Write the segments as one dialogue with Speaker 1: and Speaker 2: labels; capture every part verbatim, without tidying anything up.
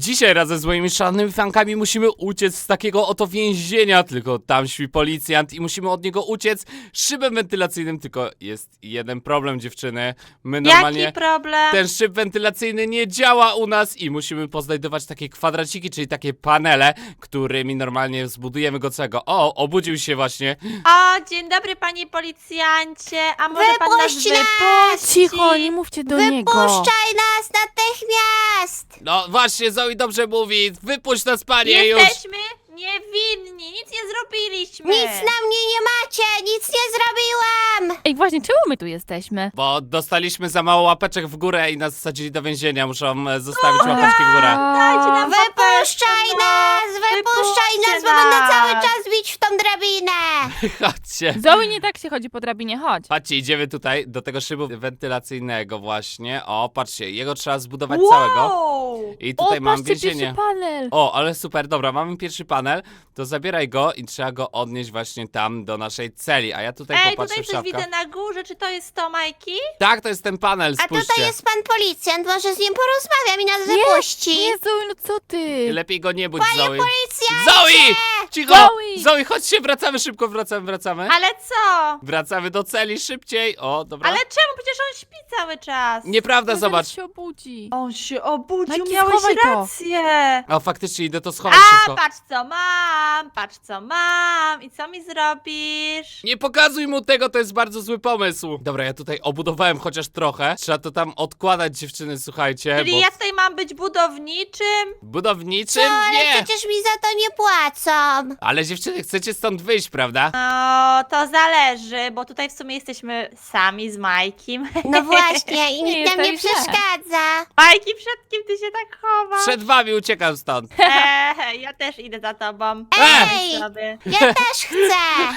Speaker 1: Dzisiaj razem z moimi szalonymi fankami musimy uciec z takiego oto więzienia, tylko tam śpi policjant i musimy od niego uciec szybem wentylacyjnym, tylko jest jeden problem, dziewczyny. My normalnie
Speaker 2: Jaki problem?
Speaker 1: ten szyb wentylacyjny nie działa u nas i musimy poznajdować takie kwadraciki, czyli takie panele, którymi normalnie zbudujemy go całego. O, obudził się właśnie.
Speaker 2: O, dzień dobry panie policjancie, a może pan nas
Speaker 3: Wypuść nas!
Speaker 2: wypuści?
Speaker 4: Cicho, nie mówcie do niego.
Speaker 3: Wypuszczaj nas natychmiast!
Speaker 1: No właśnie, Zoe dobrze mówi. Wypuść nas, panie, już.
Speaker 2: Jesteśmy niewinni, nic nie zrobiliśmy.
Speaker 3: Nic na mnie nie macie, nic nie zrobiłam!
Speaker 4: Ej, właśnie, czemu my tu jesteśmy?
Speaker 1: Bo dostaliśmy za mało łapeczek w górę i nas wsadzili do więzienia. Muszą e, zostawić łapeczki w górę.
Speaker 2: Dajcie nam
Speaker 3: Wypuszczaj
Speaker 2: łapeczkę,
Speaker 3: nas,
Speaker 2: no.
Speaker 3: wypuszczaj
Speaker 2: Wypuśćcie
Speaker 3: nas, bo będę
Speaker 2: nas.
Speaker 3: cały czas bić w tą drabinę!
Speaker 1: Chodźcie.
Speaker 4: Zoe, nie tak się chodzi po drabinie, chodź.
Speaker 1: Patrzcie, idziemy tutaj do tego szybu wentylacyjnego właśnie. O, patrzcie, jego trzeba zbudować
Speaker 2: Wow.
Speaker 1: całego. I tutaj
Speaker 4: o,
Speaker 1: mam
Speaker 4: patrzcie,
Speaker 1: więzienie.
Speaker 4: pierwszy panel.
Speaker 1: O, ale super, dobra, mamy pierwszy panel, to zabieraj go i trzeba go odnieść właśnie tam do naszej celi, a ja tutaj
Speaker 2: Ej,
Speaker 1: popatrzę
Speaker 2: tutaj
Speaker 1: w
Speaker 2: coś
Speaker 1: szafkach.
Speaker 2: widzę na górze, czy to jest to, Majki?
Speaker 1: Tak, to jest ten panel,
Speaker 3: A
Speaker 1: spójrzcie.
Speaker 3: tutaj jest pan policjant, może z nim porozmawiam i nas wypuści!
Speaker 4: Nie, Zoe, no co ty?
Speaker 1: Lepiej go nie budź, Zoe.
Speaker 3: Policjancie!
Speaker 1: Zoe! Cicho!
Speaker 4: Zoe!
Speaker 1: Zoe, chodźcie, wracamy szybko, wracamy, wracamy.
Speaker 2: Ale co?
Speaker 1: Wracamy do celi szybciej. O, dobra.
Speaker 2: Ale czemu? Przecież on śpi cały czas.
Speaker 1: Nieprawda,
Speaker 4: No,
Speaker 1: zobacz.
Speaker 4: zaraz się obudzi.
Speaker 2: On się obudził,
Speaker 4: Majki,
Speaker 2: miałeś
Speaker 4: schowaj to.
Speaker 2: rację.
Speaker 1: O, faktycznie idę to schować
Speaker 2: A,
Speaker 1: szybko.
Speaker 2: patrz co mam, patrz co mam i co mi zrobisz?
Speaker 1: Nie pokazuj mu tego, to jest bardzo zły pomysł. Dobra, ja tutaj obudowałem chociaż trochę. Trzeba to tam odkładać, dziewczyny, słuchajcie.
Speaker 2: Czyli
Speaker 1: bo...
Speaker 2: ja tutaj mam być budowniczym?
Speaker 1: Budowniczym?
Speaker 3: No, ale
Speaker 1: Nie.
Speaker 3: przecież mi za to nie płacą!
Speaker 1: Ale dziewczyny, chcecie stąd wyjść, prawda?
Speaker 2: No, to zależy, bo tutaj w sumie jesteśmy sami z Majkim.
Speaker 3: No właśnie, i
Speaker 4: Nie
Speaker 3: nikt nam nie
Speaker 4: jest tak źle.
Speaker 3: przeszkadza!
Speaker 2: Majki, przed kim ty się tak chowasz?
Speaker 1: Przed wami uciekam stąd.
Speaker 2: Eee, ja też idę za tobą.
Speaker 3: Ej!
Speaker 2: Sobie.
Speaker 3: Ja też chcę!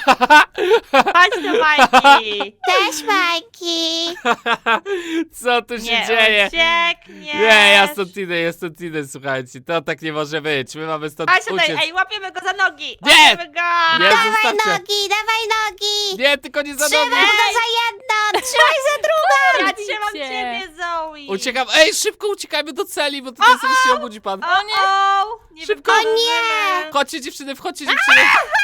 Speaker 2: Chodź do Majki.
Speaker 3: Też Majki!
Speaker 1: Co tu się
Speaker 2: Nie
Speaker 1: dzieje?
Speaker 2: uciekniesz.
Speaker 1: Nie, ja stąd idę, ja stąd idę, słuchajcie. To tak nie może być. My mamy stąd
Speaker 2: Chodź tutaj,
Speaker 1: uciec.
Speaker 2: ej, łapiemy go za nogi.
Speaker 1: Nie!
Speaker 2: Łapiemy go.
Speaker 1: Nie,
Speaker 3: Dawaj
Speaker 1: zostawcie.
Speaker 3: nogi, dawaj nogi!
Speaker 1: Nie, tylko nie za
Speaker 3: Trzymaj
Speaker 1: nogi.
Speaker 3: go za jedno, trzymaj za drugą!
Speaker 2: Ja trzymam
Speaker 4: Idźcie.
Speaker 2: ciebie, Zoe.
Speaker 1: Uciekam. Ej, szybko uciekajmy do celi, bo tutaj zaraz się obudzi pan.
Speaker 2: O nie! Nie
Speaker 1: Szybko.
Speaker 3: O
Speaker 2: wypożymy.
Speaker 3: nie!
Speaker 1: Chodźcie, dziewczyny, wchodźcie, dziewczyny.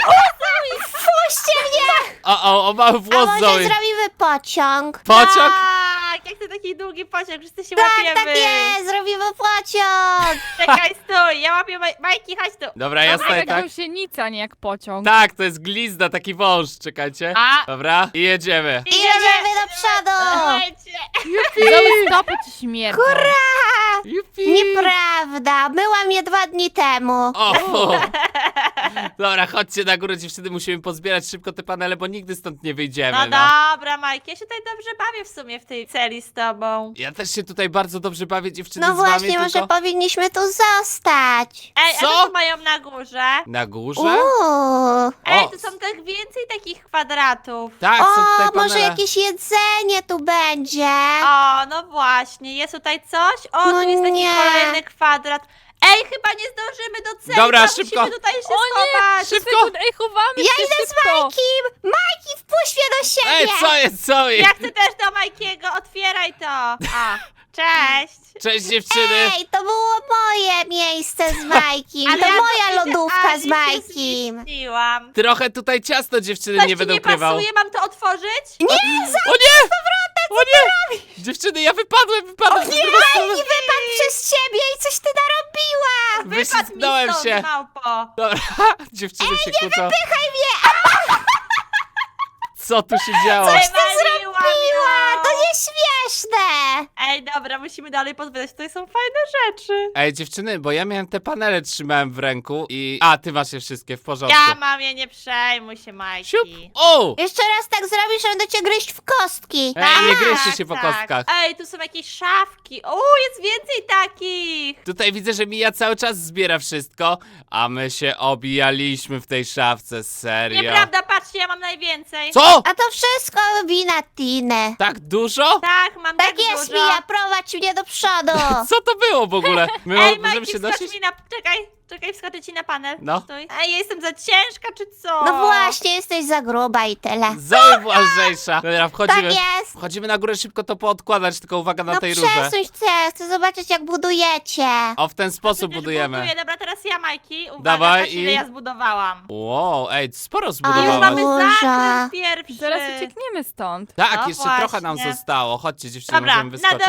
Speaker 3: Wpuśćcie mnie!
Speaker 1: O, o, o, mały
Speaker 3: A
Speaker 1: włos,
Speaker 3: może
Speaker 1: Zoe.
Speaker 3: zrobimy pociąg?
Speaker 1: Pociąg?
Speaker 2: Tak, jak to taki długi pociąg, wszyscy się
Speaker 3: Tak,
Speaker 2: łapiemy.
Speaker 3: tak jest, zrobimy pociąg!
Speaker 2: Czekaj, stój, ja łapię Maj Majki, chodź tu.
Speaker 1: Dobra, ja
Speaker 4: To
Speaker 1: staję
Speaker 4: jak
Speaker 1: tak.
Speaker 4: gąsienica, nie jak pociąg.
Speaker 1: Tak, to jest glizda, taki wąż, czekajcie.
Speaker 2: A.
Speaker 1: Dobra, i jedziemy.
Speaker 3: I jedziemy do przodu!
Speaker 2: Słuchajcie.
Speaker 4: Zoe, stopy ci śmierdzą.
Speaker 1: Jupi.
Speaker 3: Nieprawda, myłam je dwa dni temu.
Speaker 1: O, fu. Dobra, chodźcie na górę, dziewczyny, musimy pozbierać szybko te panele, bo nigdy stąd nie wyjdziemy,
Speaker 2: No
Speaker 1: no.
Speaker 2: dobra, Majki, ja się tutaj dobrze bawię w sumie w tej celi z tobą.
Speaker 1: Ja też się tutaj bardzo dobrze bawię, dziewczyny,
Speaker 3: No
Speaker 1: z wami,
Speaker 3: właśnie, może
Speaker 1: tylko...
Speaker 3: powinniśmy tu zostać.
Speaker 2: Ej, a
Speaker 1: Co?
Speaker 2: co tu mają na górze?
Speaker 1: Na górze?
Speaker 3: Uuu.
Speaker 2: Ej,
Speaker 1: O.
Speaker 2: tu są tak więcej takich kwadratów.
Speaker 1: Tak, są tutaj
Speaker 3: O, może
Speaker 1: panele.
Speaker 3: jakieś jedzenie tu będzie.
Speaker 2: O, no właśnie, jest tutaj coś? O,
Speaker 3: No
Speaker 2: tu jest taki
Speaker 3: nie.
Speaker 2: kolejny kwadrat. Ej, chyba nie zdążymy do celi,
Speaker 1: Dobra,
Speaker 2: bo
Speaker 1: szybko.
Speaker 2: musimy tutaj się
Speaker 4: O nie,
Speaker 2: schować.
Speaker 1: Szybko.
Speaker 4: Sekund, ej, chowamy
Speaker 3: Ja
Speaker 4: się
Speaker 3: idę z
Speaker 4: szybko.
Speaker 3: Majkim! Majki, wpuść mnie do siebie!
Speaker 1: Ej, co jest, co jest?
Speaker 2: Ja chcę też do Majkiego, otwieraj to. A, cześć.
Speaker 1: Cześć, dziewczyny.
Speaker 3: Ej, to było moje miejsce z Majkim.
Speaker 2: Ale
Speaker 3: to
Speaker 2: ja
Speaker 3: moja
Speaker 2: się-
Speaker 3: lodówka
Speaker 2: ani
Speaker 3: z
Speaker 2: się
Speaker 3: Majkim.
Speaker 2: zmieściłam.
Speaker 1: Trochę tutaj ciasto dziewczyny
Speaker 2: Coś
Speaker 1: nie
Speaker 2: ci
Speaker 1: będą
Speaker 2: nie
Speaker 1: krywał.
Speaker 2: pasuje, mam to otworzyć?
Speaker 3: Nie,
Speaker 1: O nie! O nie! Dziewczyny, ja wypadłem, wypadłem.
Speaker 3: nie, Majki wypadł przez ciebie i coś ty narobiła!
Speaker 2: Wypadł mi
Speaker 1: Wyślizgnąłem
Speaker 2: stąd,
Speaker 1: się.
Speaker 2: małpo.
Speaker 1: Dobra, dziewczyny się kłócą.
Speaker 3: Pychaj mnie!
Speaker 1: Co tu się działo?
Speaker 2: Wywaliłam
Speaker 3: A,
Speaker 2: ją.
Speaker 3: to nieśmieszne!
Speaker 2: Ej, dobra, musimy dalej pozbierać, tutaj są fajne rzeczy.
Speaker 1: Ej, dziewczyny, bo ja miałem te panele, trzymałem w ręku i... A, ty masz je wszystkie, w porządku.
Speaker 2: Ja mam je, nie przejmuj się, Majki.
Speaker 1: Siup. O!
Speaker 3: Jeszcze raz tak zrobisz, że będę cię gryźć w kostki.
Speaker 1: Ej, nie
Speaker 2: Tak,
Speaker 1: gryźcie się po
Speaker 2: tak.
Speaker 1: kostkach.
Speaker 2: Ej, tu są jakieś szafki. O, jest więcej takich.
Speaker 1: Tutaj widzę, że Mija cały czas zbiera wszystko, a my się obijaliśmy w tej szafce, serio.
Speaker 2: Nieprawda, patrzcie, ja mam najwięcej.
Speaker 1: Co?
Speaker 3: A to wszystko wina Tiny.
Speaker 1: Tak dużo?
Speaker 2: Tak, mam tak,
Speaker 3: Tak jest,
Speaker 2: dużo.
Speaker 3: Mija, prowadź mnie do przodu.
Speaker 1: Co to było w ogóle? My
Speaker 2: Ej,
Speaker 1: możemy
Speaker 2: Majki,
Speaker 1: się
Speaker 2: skocz
Speaker 1: nosić?
Speaker 2: mi na... Czekaj, czekaj, wskoczę ci na panel.
Speaker 1: No.
Speaker 2: Stój. Ej, ja jestem za ciężka, czy co?
Speaker 3: No właśnie, jesteś za gruba i tyle.
Speaker 1: Zoe była lżejsza. Dobra,
Speaker 3: Tak
Speaker 1: wchodzimy.
Speaker 3: jest.
Speaker 1: Wchodzimy na górę, szybko to poodkładać, tylko uwaga na
Speaker 3: No
Speaker 1: tej rurze.
Speaker 3: przesuń chcę, chcę zobaczyć jak budujecie.
Speaker 1: O, w ten sposób
Speaker 2: Przecież
Speaker 1: budujemy.
Speaker 2: Buduję. Dobra, teraz ja, Majki. Uwaga,
Speaker 1: Dawaj
Speaker 2: patrz, ile
Speaker 1: i-
Speaker 2: ja zbudowałam.
Speaker 1: Wow, ej, sporo
Speaker 2: Już
Speaker 1: zbudowałaś.
Speaker 2: mamy
Speaker 3: Duża.
Speaker 2: zakręt pierwszy.
Speaker 4: Zaraz uciekniemy stąd.
Speaker 1: Tak,
Speaker 2: No
Speaker 1: jeszcze trochę nam
Speaker 2: właśnie.
Speaker 1: zostało. Chodźcie, dziewczyny,
Speaker 2: Dobra,
Speaker 1: możemy
Speaker 2: na
Speaker 1: wyskoczyć.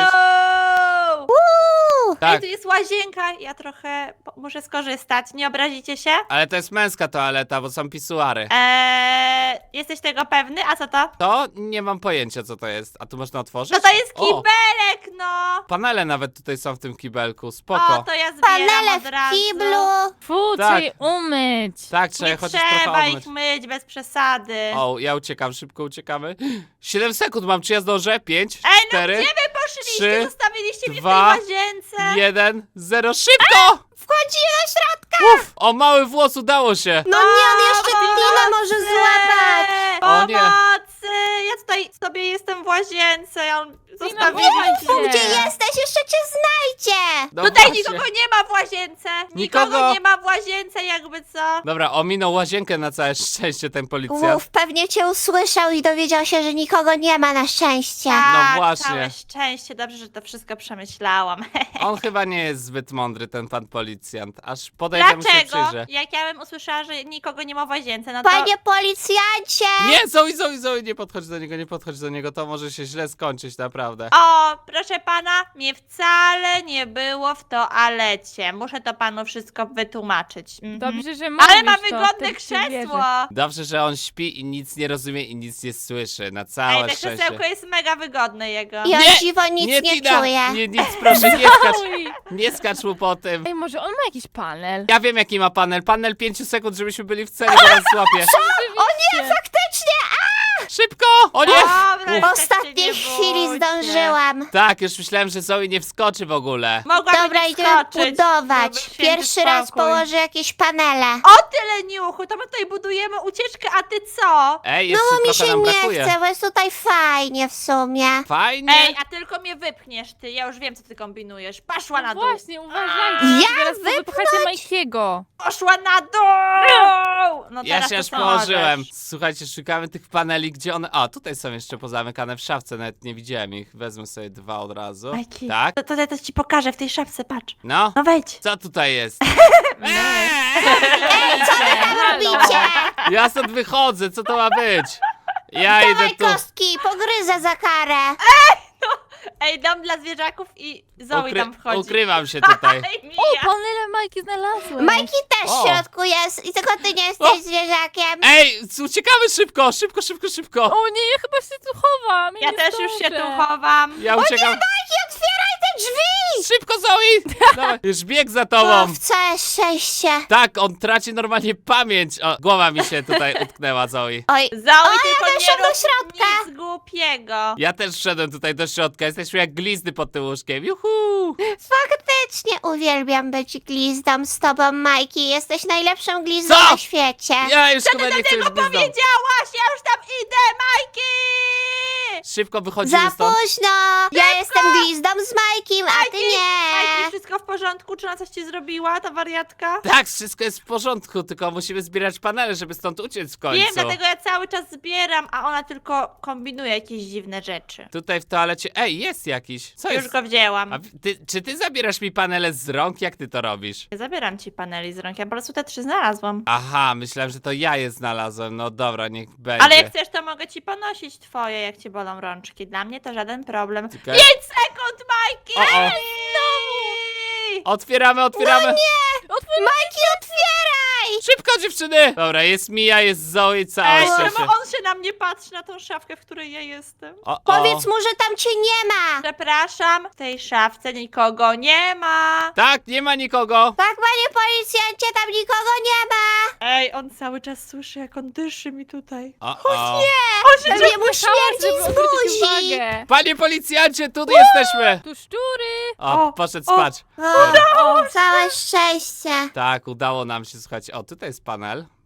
Speaker 2: dół! Ej,
Speaker 1: Tak,
Speaker 2: tu jest łazienka. Ja trochę po- muszę skorzystać. Nie obrazicie się?
Speaker 1: ale to jest męska toaleta, bo są pisuary.
Speaker 2: Eee, jesteś tego pewny? A co to?
Speaker 1: To nie mam pojęcia, co to jest. A tu można otworzyć?
Speaker 2: No to jest
Speaker 1: O,
Speaker 2: kibelek, no!
Speaker 1: panele nawet tutaj są w tym kibelku,
Speaker 2: O,
Speaker 1: spoko.
Speaker 2: to ja zbieram
Speaker 3: Panele
Speaker 2: od
Speaker 3: w
Speaker 2: razu.
Speaker 3: kiblu.
Speaker 4: Fu,
Speaker 1: Tak.
Speaker 4: trzeba je umyć.
Speaker 1: Tak, trzeba
Speaker 2: Nie
Speaker 1: je chociaż trochę
Speaker 2: trzeba
Speaker 1: obmyć.
Speaker 2: ich myć bez przesady.
Speaker 1: O, ja uciekam, szybko uciekamy. siedem sekund mam, czy ja zdążę? pięć,
Speaker 2: Ej, no
Speaker 1: cztery,
Speaker 2: gdzie wy poszliście?
Speaker 1: trzy,
Speaker 2: Zostawiliście mnie
Speaker 1: dwa,
Speaker 2: w tej łazience.
Speaker 1: jeden, zero, szybko!
Speaker 3: Wchodzi do środka.
Speaker 1: Uf, o, mały włos, udało się.
Speaker 3: No nie, on jeszcze Tina może złapać.
Speaker 1: O nie.
Speaker 2: Pomocy! Ja tutaj sobie jestem w łazience, ja on zostawił
Speaker 4: chowaj się.
Speaker 3: Gdzie jesteś? Jeszcze cię znajdzie.
Speaker 1: No
Speaker 2: Tutaj
Speaker 1: właśnie.
Speaker 2: nikogo nie ma w łazience!
Speaker 1: Nikogo?
Speaker 2: Nikogo nie ma w łazience, jakby co?
Speaker 1: Dobra, ominął łazienkę na całe szczęście ten policjant.
Speaker 3: Uf, pewnie cię usłyszał i dowiedział się, że nikogo nie ma na szczęście.
Speaker 2: Tak,
Speaker 1: właśnie.
Speaker 2: całe szczęście, dobrze, że to wszystko przemyślałam.
Speaker 1: On chyba nie jest zbyt mądry, ten pan policjant. Aż podejdę mu się
Speaker 2: Dlaczego?
Speaker 1: przyjrzę.
Speaker 2: Jak ja bym usłyszała, że nikogo nie ma w łazience, no to...
Speaker 3: Panie policjancie!
Speaker 1: Nie, Zoe, Zoe, Zoe, nie podchodź do niego, nie podchodź do niego, to może się źle skończyć, naprawdę.
Speaker 2: O, proszę pana, mnie wcale nie było w toalecie. Muszę to panu wszystko wytłumaczyć. Mhm.
Speaker 4: Dobrze, że mówisz
Speaker 2: Ale ma
Speaker 4: to,
Speaker 2: wygodne
Speaker 4: wtedy ci wierzę.
Speaker 2: krzesło.
Speaker 1: Dobrze, że on śpi i nic nie rozumie i nic nie słyszy, na
Speaker 2: Ej,
Speaker 1: całe
Speaker 2: to
Speaker 1: szczęście.
Speaker 2: krzesełko jest mega wygodne jego.
Speaker 3: I on
Speaker 1: Nie,
Speaker 3: dziwo nic nie,
Speaker 1: Tina,
Speaker 3: czuje.
Speaker 1: Nie, nic, proszę, nie skacz,
Speaker 4: Oj.
Speaker 1: nie skacz mu po tym.
Speaker 4: Ej, może on ma jakiś panel?
Speaker 1: Ja wiem, jaki ma panel. Panel pięciu sekund, żebyśmy byli w celi, zaraz złapię.
Speaker 4: O nie,
Speaker 3: Faktycznie!
Speaker 1: Szybko! O nie!
Speaker 2: Dobra,
Speaker 3: W
Speaker 2: tak
Speaker 3: ostatniej
Speaker 2: się nie
Speaker 3: chwili
Speaker 2: bójcie.
Speaker 3: zdążyłam.
Speaker 1: Tak, już myślałem, że Zoe nie wskoczy w ogóle.
Speaker 2: Mogłabym
Speaker 3: Dobra,
Speaker 2: nie
Speaker 3: idziemy
Speaker 2: wskoczyć,
Speaker 3: budować.
Speaker 2: żeby święty
Speaker 3: Pierwszy raz
Speaker 2: spokój.
Speaker 3: położę jakieś panele.
Speaker 2: O tyle niuchu, to my tutaj budujemy ucieczkę, a ty co?
Speaker 1: Ej,
Speaker 3: No
Speaker 1: jeszcze
Speaker 3: bo mi
Speaker 1: trochę
Speaker 3: się
Speaker 1: nam
Speaker 3: nie
Speaker 1: brakuje.
Speaker 3: chce, bo jest tutaj fajnie w sumie.
Speaker 1: Fajnie.
Speaker 2: Ej, a tylko mnie wypchniesz ty, ja już wiem co ty kombinujesz. Poszła na
Speaker 4: no
Speaker 2: dół.
Speaker 4: właśnie, uważajcie.
Speaker 3: Ja
Speaker 4: Zaraz wypchacie Majkiego.
Speaker 2: Poszła na dół! No
Speaker 1: Ja
Speaker 2: teraz
Speaker 1: się
Speaker 2: to
Speaker 1: już
Speaker 2: co
Speaker 1: położyłem.
Speaker 2: możesz?
Speaker 1: Słuchajcie, szukamy tych paneli, gdzie one... A, tutaj są jeszcze pozamykane w szafce, nawet nie widziałem ich. Wezmę sobie dwa od razu.
Speaker 2: Majki,
Speaker 1: Tak?
Speaker 2: to, to ja też ci pokażę w tej szafce, patrz.
Speaker 1: No?
Speaker 2: No wejdź.
Speaker 1: Co tutaj jest?
Speaker 4: Ej, co wy tam
Speaker 3: Robicie?
Speaker 1: Ja stąd wychodzę, co to ma być? Ja idę
Speaker 3: Dawaj
Speaker 1: tu.
Speaker 3: kostki, pogryzę za karę.
Speaker 2: Ej, dom dla zwierzaków i Zoe
Speaker 1: Ukry-
Speaker 2: tam wchodzi.
Speaker 1: Ukrywam się tutaj.
Speaker 2: Ej,
Speaker 4: O,
Speaker 2: Mija.
Speaker 4: panele Majki znalazłem.
Speaker 3: Majki też
Speaker 1: O.
Speaker 3: w środku jest i tylko ty nie jesteś
Speaker 1: O.
Speaker 3: zwierzakiem.
Speaker 1: Ej, uciekamy szybko, szybko, szybko, szybko.
Speaker 4: O nie, ja chyba się tu chowam.
Speaker 2: Ja
Speaker 4: nie
Speaker 2: też już się
Speaker 4: zdążę.
Speaker 2: tu chowam.
Speaker 1: Ja uciekam.
Speaker 3: Majki, otwieraj te drzwi!
Speaker 1: Szybko, Zoe! Dawaj, już bieg za
Speaker 3: O,
Speaker 1: tobą.
Speaker 3: w całe szczęście.
Speaker 1: Tak, on traci normalnie pamięć. O, głowa mi się tutaj utknęła, Zoe.
Speaker 3: Oj,
Speaker 2: Zoe,
Speaker 3: O, ja
Speaker 2: tylko nie
Speaker 3: weszłam do
Speaker 2: rób
Speaker 3: środka.
Speaker 2: nic głupiego.
Speaker 1: Ja też wszedłem tutaj do środka. Jesteśmy jak glizdy pod tym łóżkiem. Juhu!
Speaker 3: faktycznie uwielbiam być glizdą z tobą, Majki. Jesteś najlepszą glizdą
Speaker 1: Co?
Speaker 3: na świecie.
Speaker 1: Ja już
Speaker 2: Co
Speaker 1: chyba
Speaker 2: ty
Speaker 1: nie
Speaker 2: do
Speaker 1: chcę
Speaker 2: tego
Speaker 1: być glizdą.
Speaker 2: powiedziałaś? Ja już tam idę, Majki!
Speaker 1: Szybko wychodzimy
Speaker 3: Za
Speaker 1: stąd.
Speaker 3: późno! Ja jestem glizdą z Majkiem, a ty
Speaker 2: Majki,
Speaker 3: nie!
Speaker 2: wszystko w porządku? Czy ona coś ci zrobiła, ta wariatka?
Speaker 1: Tak, wszystko jest w porządku, tylko musimy zbierać panele, żeby stąd uciec w końcu.
Speaker 2: Wiem, dlatego ja cały czas zbieram, a ona tylko kombinuje jakieś dziwne rzeczy.
Speaker 1: Tutaj w toalecie... Ej, jest jakiś. Co
Speaker 2: Już
Speaker 1: jest?
Speaker 2: go wzięłam.
Speaker 1: A ty, czy ty zabierasz mi panele z rąk? Jak ty to robisz?
Speaker 2: Nie zabieram ci paneli z rąk, ja po prostu te trzy znalazłam.
Speaker 1: Aha, myślałem, że to ja je znalazłem. No dobra, niech będzie.
Speaker 2: Ale jak chcesz, to mogę ci ponosić twoje, jak ci bolą rączki. Dla mnie to żaden problem.
Speaker 1: Tylko-
Speaker 2: pięć sekund, Majki!
Speaker 1: O, o. Otwieramy, otwieramy.
Speaker 3: No nie! Majki, otwieraj!
Speaker 1: Szybko, dziewczyny! Dobra, jest Mia, jest Zoe, całe
Speaker 2: Ej,
Speaker 1: szczęście.
Speaker 2: czemu on się na mnie patrzy, na tą szafkę, w której ja jestem?
Speaker 1: O, o.
Speaker 3: Powiedz mu, że tam cię nie ma!
Speaker 2: Przepraszam, w tej szafce nikogo nie ma.
Speaker 1: Tak, nie ma nikogo.
Speaker 3: Tak, panie policjancie, tam nikogo nie ma!
Speaker 2: Ej, on cały czas słyszy, jak on dyszy mi tutaj.
Speaker 1: O, o.
Speaker 3: Pewnie mu śmierdzi
Speaker 4: Żeby
Speaker 3: z
Speaker 4: odwrócić
Speaker 3: buzi!
Speaker 4: uwagę.
Speaker 1: Panie policjancie, tu jesteśmy!
Speaker 4: Tu szczury.
Speaker 1: O,
Speaker 2: O,
Speaker 1: poszedł
Speaker 2: o.
Speaker 1: spać.
Speaker 3: O, całe szczęście!
Speaker 1: Tak, udało nam się, słuchajcie. O, tutaj jest panel.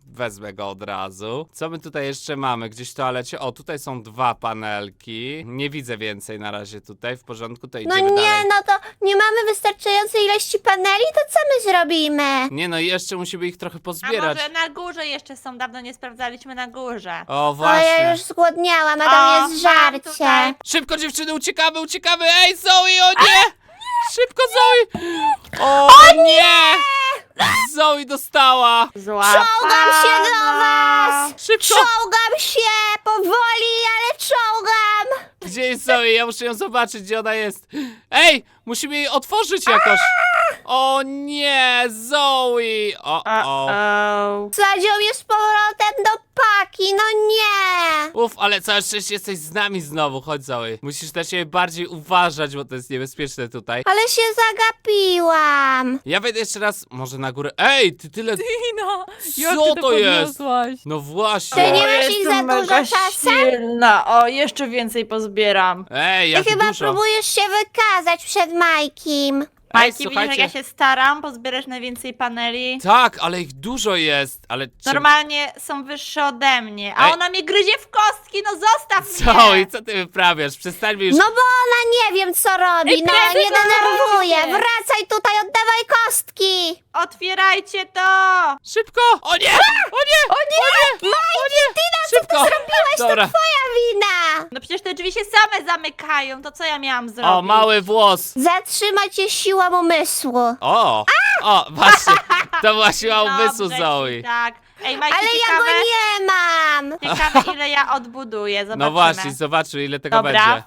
Speaker 1: wezmę go od razu. Co my tutaj jeszcze mamy? Gdzieś w toalecie? O, tutaj są dwa panelki. Nie widzę więcej na razie tutaj. W porządku, to
Speaker 3: No
Speaker 1: idziemy
Speaker 3: nie,
Speaker 1: dalej.
Speaker 3: no to nie mamy wystarczającej ilości paneli, to co my zrobimy?
Speaker 1: Nie no, jeszcze musimy ich trochę
Speaker 2: A
Speaker 1: pozbierać.
Speaker 2: może na górze jeszcze są, dawno nie sprawdzaliśmy na górze.
Speaker 1: O,
Speaker 3: O,
Speaker 1: właśnie.
Speaker 3: ja już zgłodniałam, a
Speaker 2: O,
Speaker 3: tam jest
Speaker 2: mam
Speaker 3: żarcie.
Speaker 2: tutaj.
Speaker 1: Szybko dziewczyny, uciekamy, uciekamy! Ej, Zoe, o nie! Szybko, Zoe! O, nie! Zoe dostała!
Speaker 3: Czołgam się do was!
Speaker 1: Szybko!
Speaker 3: Czołgam się! Powoli, ale czołgam!
Speaker 1: Gdzie jest Zoe? Ja muszę ją zobaczyć, gdzie ona jest. Ej, musimy jej otworzyć jakoś. O nie, Zoe! O, o.
Speaker 2: Uh-oh.
Speaker 3: Zadział mnie z powrotem do paki, no nie!
Speaker 1: Uf, ale całe szczęście jesteś z nami znowu. Chodź, Zoe. Musisz na siebie bardziej uważać, bo to jest niebezpieczne tutaj.
Speaker 3: Ale się zagapiłam.
Speaker 1: Ja wejdę jeszcze raz, może na górę. Ej, ty tyle...
Speaker 4: Tina, jak
Speaker 1: Co
Speaker 4: ty
Speaker 1: to jest?
Speaker 4: podniosłaś?
Speaker 1: No
Speaker 3: Ty
Speaker 1: właśnie.
Speaker 3: nie
Speaker 2: O,
Speaker 3: masz ich
Speaker 2: jestem
Speaker 3: za dużo
Speaker 2: mega
Speaker 3: czasem?
Speaker 2: silna. O, jeszcze więcej pozbieram.
Speaker 1: Ej,
Speaker 3: Ty
Speaker 1: jak
Speaker 3: chyba
Speaker 1: dużo.
Speaker 3: próbujesz się wykazać przed Majkim.
Speaker 1: Ej,
Speaker 2: Majki, widzisz, jak
Speaker 1: słuchajcie.
Speaker 2: ja się staram pozbierać najwięcej paneli?
Speaker 1: Tak, ale ich dużo jest, ale... czym-
Speaker 2: Normalnie są wyższe ode mnie, a
Speaker 1: Ej.
Speaker 2: ona mnie gryzie w kostki, no zostaw
Speaker 1: Zoe,
Speaker 2: mnie!
Speaker 1: co ty wyprawiasz? Przestań mi już...
Speaker 3: No bo ona nie wiem co robi,
Speaker 4: Ej,
Speaker 3: no
Speaker 4: prezes,
Speaker 3: nie denerwuje.
Speaker 4: zobaczcie.
Speaker 3: Wracaj tutaj, oddawaj kostki.
Speaker 2: Otwierajcie to!
Speaker 1: Szybko! O nie! O nie!
Speaker 3: O nie! Majki, Tina, co
Speaker 1: Szybko!
Speaker 3: ty zrobiłaś?
Speaker 1: Dobra.
Speaker 3: To twoja wina.
Speaker 2: No przecież te drzwi się same zamykają, to co ja miałam zrobić?
Speaker 1: O, mały włos!
Speaker 3: Zatrzyma cię siła umysłu.
Speaker 1: O! O, właśnie! To była siła umysłu,
Speaker 2: Dobrze ci,
Speaker 1: Zoe.
Speaker 2: tak. Ej, Majki,
Speaker 3: Ale ja
Speaker 2: ciekawe,
Speaker 3: go nie mam.
Speaker 2: ciekawe ile ja odbuduję, zobaczymy.
Speaker 1: No właśnie, zobaczymy ile tego
Speaker 2: Dobra.
Speaker 1: będzie.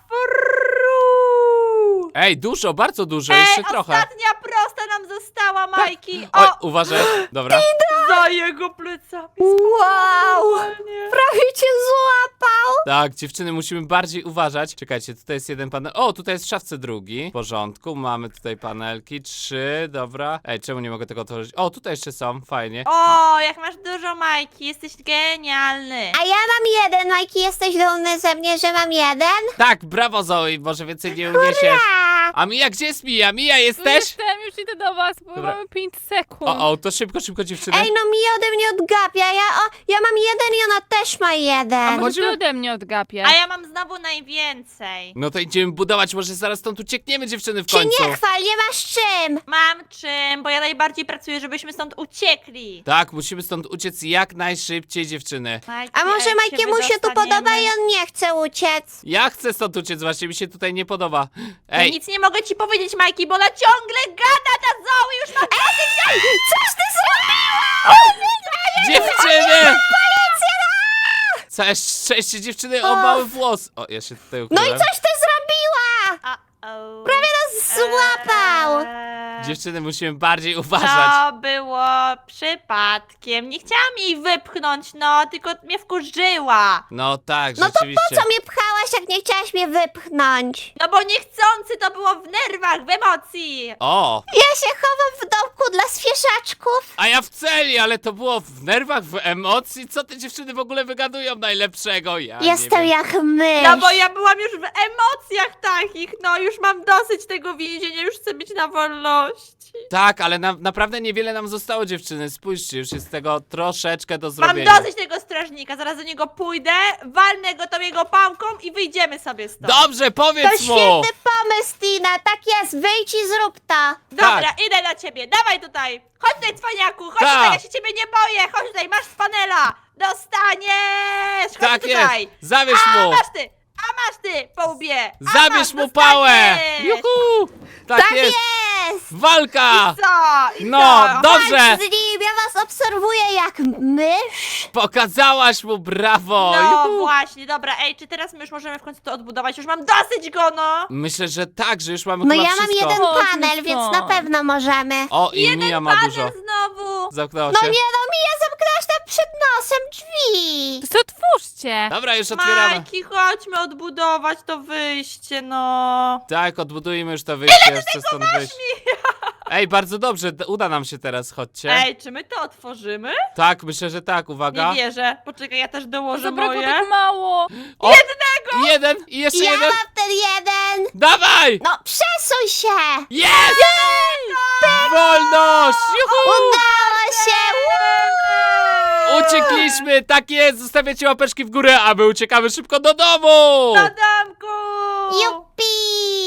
Speaker 2: Furru.
Speaker 1: Ej, dużo, bardzo dużo,
Speaker 2: Ej,
Speaker 1: jeszcze trochę.
Speaker 2: ostatnia prosta nam została, Majki.
Speaker 1: Oj,
Speaker 2: O,
Speaker 1: uważaj, dobra.
Speaker 2: za jego plecami.
Speaker 3: Wow.
Speaker 2: Normalnie.
Speaker 3: Prawie cię złapał.
Speaker 1: Tak, dziewczyny, musimy bardziej uważać. Czekajcie, tutaj jest jeden panel. O, tutaj jest w szafce drugi. W porządku, mamy tutaj panelki, trzy, dobra. Ej, czemu nie mogę tego otworzyć? O, tutaj jeszcze są, fajnie.
Speaker 2: O, jak masz dużo, Majki, jesteś genialny.
Speaker 3: A ja mam jeden, Majki, jesteś dumny ze mnie, że mam jeden?
Speaker 1: Tak, brawo, Zoe, może więcej nie uniesiesz.
Speaker 3: A,
Speaker 1: A Mija, gdzie jest Mija? Mija,
Speaker 4: Tu
Speaker 1: jesteś?
Speaker 4: Jestem, już idę do was, bo
Speaker 1: Dobra.
Speaker 4: mamy pięć sekund.
Speaker 1: O, o, to szybko, szybko, dziewczyny.
Speaker 3: Ej, no mi ode mnie odgapia. Ja, o, ja mam jeden i ona też ma
Speaker 4: A
Speaker 3: jeden.
Speaker 4: może
Speaker 1: chodzimy-
Speaker 4: ty ode mnie odgapię?
Speaker 2: A ja mam znowu najwięcej.
Speaker 1: No to idziemy budować, może zaraz stąd uciekniemy, dziewczyny, w
Speaker 3: Się
Speaker 1: końcu.
Speaker 3: nie chwal, nie masz czym.
Speaker 2: Mam czym, bo ja najbardziej pracuję, żebyśmy stąd uciekli.
Speaker 1: Tak, musimy stąd uciec jak najszybciej, dziewczyny.
Speaker 2: Majki,
Speaker 3: A może
Speaker 2: jak
Speaker 3: Majkiemu się tu
Speaker 2: wydostaniemy?
Speaker 3: podoba i on nie chce uciec?
Speaker 1: Ja chcę stąd uciec, właśnie mi się tutaj nie podoba.
Speaker 2: Ja
Speaker 1: Ej,
Speaker 2: nic nie mogę ci powiedzieć, Majki, bo ona ciągle gada, ta Zoe, już mam dosyć.
Speaker 3: Coś ty zrobiła!
Speaker 1: dziewczyny! Całe szczęście, dziewczyny, o
Speaker 3: Och.
Speaker 1: mały włos. O, ja się tutaj
Speaker 3: No
Speaker 1: ukryłem.
Speaker 3: i coś ty zrobiła!
Speaker 2: Uh-oh.
Speaker 3: Prawie nas złapał!
Speaker 2: Eee,
Speaker 1: Dziewczyny, musimy bardziej uważać.
Speaker 2: To było przypadkiem. Nie chciałam jej wypchnąć, no, tylko mnie wkurzyła.
Speaker 1: No tak,
Speaker 3: No to
Speaker 1: rzeczywiście.
Speaker 3: po co mnie pchałaś, jak nie chciałaś mnie wypchnąć?
Speaker 2: No bo niechcący to było w nerwach, w emocji.
Speaker 1: O,
Speaker 3: Ja się chowam w domku dla zwierzaczków.
Speaker 1: a ja w celi, ale to było w nerwach, w emocji. Co te dziewczyny w ogóle wygadują najlepszego? Ja
Speaker 3: Jestem
Speaker 1: nie wiem.
Speaker 3: jak mysz.
Speaker 2: No bo ja byłam już w emocjach takich, no już mam dosyć tego więzienia, już chcę być na wolności.
Speaker 1: Tak, ale na, naprawdę niewiele nam zostało, dziewczyny. Spójrzcie, już jest tego troszeczkę do
Speaker 2: Mam
Speaker 1: zrobienia.
Speaker 2: dosyć tego strażnika, zaraz do niego pójdę, walnę go tą jego pałką i wyjdziemy sobie stąd.
Speaker 1: Dobrze,
Speaker 3: To
Speaker 1: powiedz mu!
Speaker 3: świetny pomysł, Tina. Tak jest, wyjdź i zrób to.
Speaker 2: Dobra,
Speaker 1: Tak.
Speaker 2: idę do ciebie, dawaj tutaj. Chodź tutaj, cwaniaku, chodź
Speaker 1: Tak.
Speaker 2: tutaj, ja się ciebie nie boję. Chodź tutaj, masz z panela. Dostaniesz. Chodź
Speaker 1: Tak
Speaker 2: tutaj.
Speaker 1: jest, zabierz
Speaker 2: A
Speaker 1: mu!
Speaker 2: masz ty, a masz ty, po łbie. A
Speaker 1: Zabierz
Speaker 2: masz,
Speaker 1: mu pałę!
Speaker 2: dostaniesz.
Speaker 1: Juhu! Tak,
Speaker 3: Tak
Speaker 1: jest!
Speaker 3: jest!
Speaker 1: Walka!
Speaker 2: Co? I
Speaker 1: No,
Speaker 2: co?
Speaker 1: dobrze!
Speaker 3: Chodź z nim, ja was obserwuję jak mysz.
Speaker 1: Pokazałaś mu, brawo!
Speaker 2: No
Speaker 1: Juhu!
Speaker 2: właśnie, dobra, ej, czy teraz my już możemy w końcu to odbudować? Już mam dosyć go, no!
Speaker 1: Myślę, że tak, że już mamy
Speaker 3: No
Speaker 1: chyba
Speaker 3: ja mam
Speaker 1: wszystko.
Speaker 3: jeden
Speaker 4: Chodźmy
Speaker 3: panel, więc
Speaker 4: stąd.
Speaker 3: na pewno możemy.
Speaker 1: O, i
Speaker 2: Jeden
Speaker 1: Mija ma
Speaker 2: panel
Speaker 1: dużo.
Speaker 2: znowu!
Speaker 1: Zamknęło
Speaker 3: No
Speaker 1: się.
Speaker 3: nie no, Mija, zamknęłaś tam przed nosem drzwi.
Speaker 4: To sobie otwórzcie.
Speaker 1: Dobra, już otwieramy.
Speaker 2: Majki, chodźmy odbudować to wyjście, no!
Speaker 1: Tak, odbudujmy już to wyjście, już chcę stąd wyjść. Ej, bardzo dobrze, d- uda nam się teraz, chodźcie.
Speaker 2: Ej, czy my to otworzymy?
Speaker 1: Tak, myślę, że tak, uwaga.
Speaker 2: Nie wierzę. Poczekaj, ja też dołożę
Speaker 4: Zabrakło
Speaker 2: moje.
Speaker 4: tak mało.
Speaker 1: O, jednego! Jeden i jeszcze
Speaker 3: Ja
Speaker 1: jeden.
Speaker 3: mam ten jeden.
Speaker 1: Dawaj!
Speaker 3: No przesuń się.
Speaker 1: Jest! Wolność! Juhu!
Speaker 3: Udało się. Woo!
Speaker 1: Uciekliśmy, tak jest, zostawiacie łapeczki w górę, a my uciekamy szybko do domu!
Speaker 2: Do domku!
Speaker 3: Jupi!